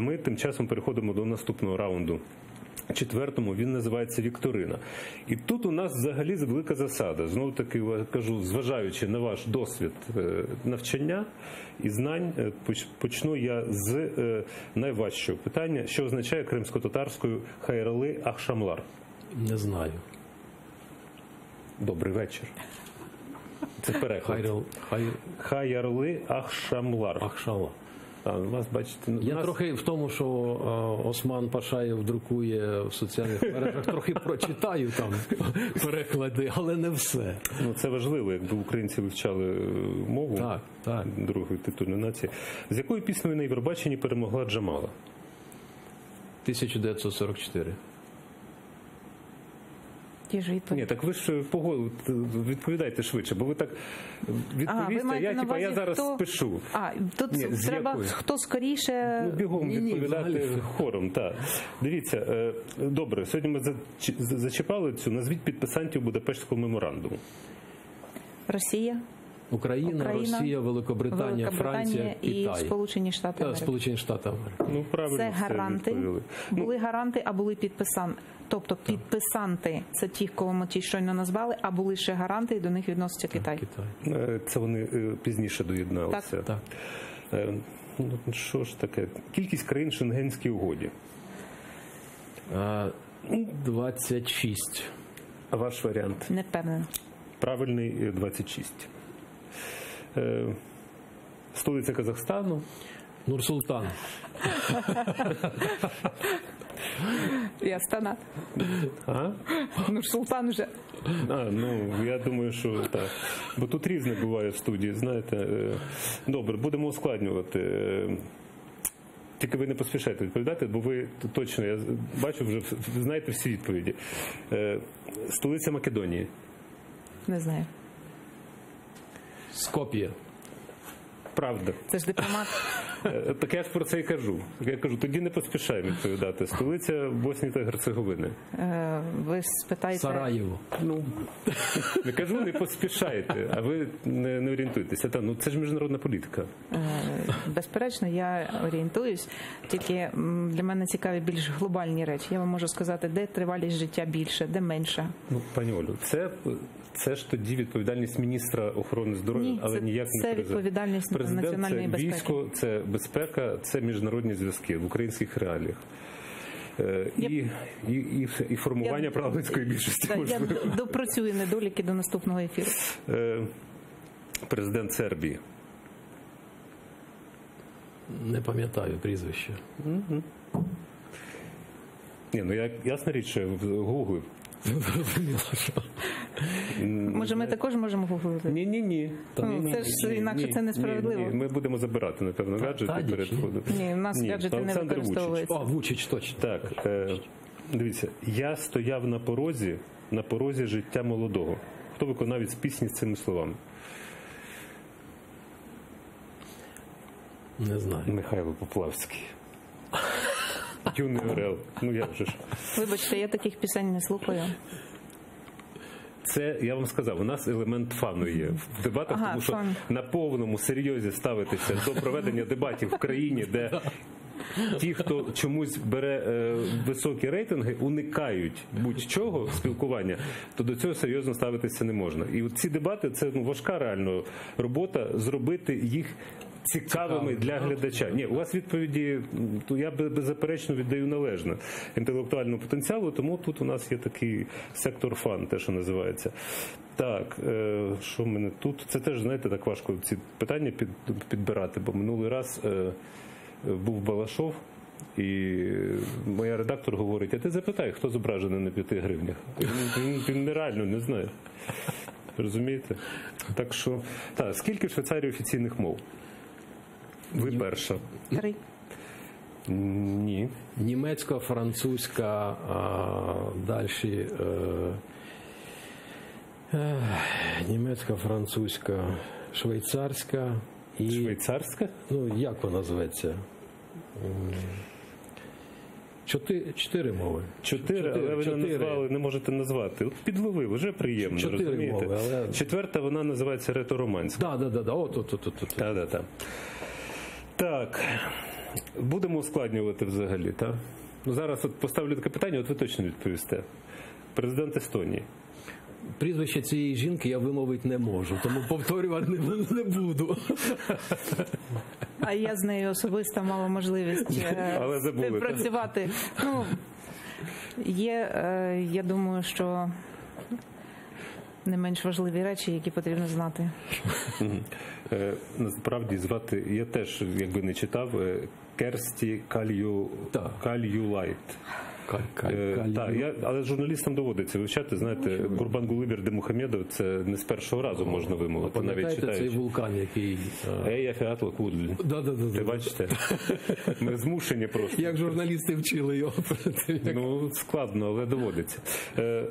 ми тим часом переходимо до наступного раунду. Четвертому, він називається «Вікторина». І тут у нас взагалі велика засада. Знову таки, кажу, зважаючи на ваш досвід навчання і знань, почну я з найважчого питання. Що означає кримсько-татарською «Хайрали Ахшамлар»? Не знаю. Добрий вечір. Це переклад. Хайрали Ахшамлар. Ахшамлар. А, вас, бачите, я трохи в тому, що Осман Пашаєв друкує в соціальних мережах, трохи прочитаю там переклади, але не все. Ну, це важливо, якби українці вивчали мову так. другої титульної нації. З якою піснею на Євробаченні перемогла Джамала? 1944. Ні, так ви ж відповідайте швидше, бо ви так відповісте, я зараз спишу. Тут треба хто скоріше... Бігом відповідати хором, так. Дивіться, добре, сьогодні ми зачіпали цю, назвіть підписантів Будапештського меморандуму. Росія. Україна, Росія, Великобританія, Франція, і Китай. Сполучені Штати Америки. Сполучені Штати Америки. Ну, правильно, це гаранти. Були гаранти, а були підписанти. Тобто підписанти – це ті, кого ми щойно назвали, а були ще гаранти, і до них відноситься Китай. Це вони пізніше доєдналися. Так. Ну, що ж таке? Кількість країн в Шенгенській угоді? 26. А ваш варіант? Не впевнена. Правильний 26. Столиця Казахстану? Нур-Султан. І Астана. Нур-Султан вже. Я думаю, що так. Бо тут різне буває в студії, знаєте. Добре, будемо ускладнювати. Тільки ви не поспішайте відповідати, бо ви точно, я бачу, вже знаєте всі відповіді. Столиця Македонії? Не знаю. Скоп'є. Правда. Це ж дипломат. Так я ж про це і кажу. Я кажу, тоді не поспішаємо відповідати. Столиця Боснії та Герцеговини. Ви спитаєте... Сараєво. Не кажу, не поспішайте, а ви не орієнтуєтеся. Це ж міжнародна політика. Безперечно, я орієнтуюсь. Тільки для мене цікаві більш глобальні речі. Я вам можу сказати, де тривалість життя більше, де менша. Пані Олю, це ж тоді відповідальність міністра охорони здоров'я, але ніяк не президента. Це відповідальність національної безпеки. Це військо, це безпека, це міжнародні зв'язки в українських реаліях. І формування парламентської більшості. Я допрацюю недоліки до наступного ефіру. Президент Сербії. Не пам'ятаю прізвище. Ясна річ, що гуглив. Може, ми також можемо гуглити? Ні. Це ж інакше це несправедливо. Ми будемо забирати, напевно, гаджети перед входом. Ні, у нас гаджети не використовуються. Вучич, точно. Так, дивіться, я стояв на порозі життя молодого. Хто виконавець пісні з цими словами? Не знаю. Михайло Поплавський. Юний Орел. Як же ж. Вибачте, я таких пісень не слухаю. Це, я вам сказав, у нас елемент фану є в дебатах, тому що на повному серйозі ставитися до проведення дебатів в країні, де ті, хто чомусь бере високі рейтинги, уникають будь-чого спілкування, то до цього серйозно ставитися не можна. І ці дебати – це важка реально робота, зробити їх цікавими для глядача. Ні, у вас відповіді, то я беззаперечно віддаю належне інтелектуальному потенціалу, тому тут у нас є такий сектор фан, те, що називається. Так, що в мене тут? Це теж, знаєте, так важко ці питання підбирати, бо минулий раз був Балашов, і моя редактор говорить, а ти запитай, хто зображений на 5 гривнях. Він нереально не знає. Розумієте? Так що, скільки в Швейцарії офіційних мов? Ви перша. 3. Ні. Німецька, французька, далі німецька, французька, швейцарська і... Швейцарська? Як вона зветься? 4 мови. 4, але ви не назвали, не можете назвати. От підловив, вже приємно, 4 розумієте? мови, але... 4-та, вона називається ретороманська. Так. Так. Будемо ускладнювати взагалі, так? Ну, зараз от поставлю таке питання, от ви точно відповісте. Президент Естонії. Прізвище цієї жінки я вимовити не можу, тому повторювати не буду. А я з нею особисто мала можливість співпрацювати. Ну, я думаю, що не менш важливі речі, які потрібно знати. Насправді звати, я теж, якби не читав, Керсті Кальюлайт. Але журналістам доводиться вивчати, знаєте, Гурбангулибір Демухамедов, це не з першого разу можна вимовити, навіть читаючи. Цей вулкан, який... Ея Фіатла Кудль. Ви бачите? Ми змушені просто. Як журналісти вчили його. Ну, складно, але доводиться.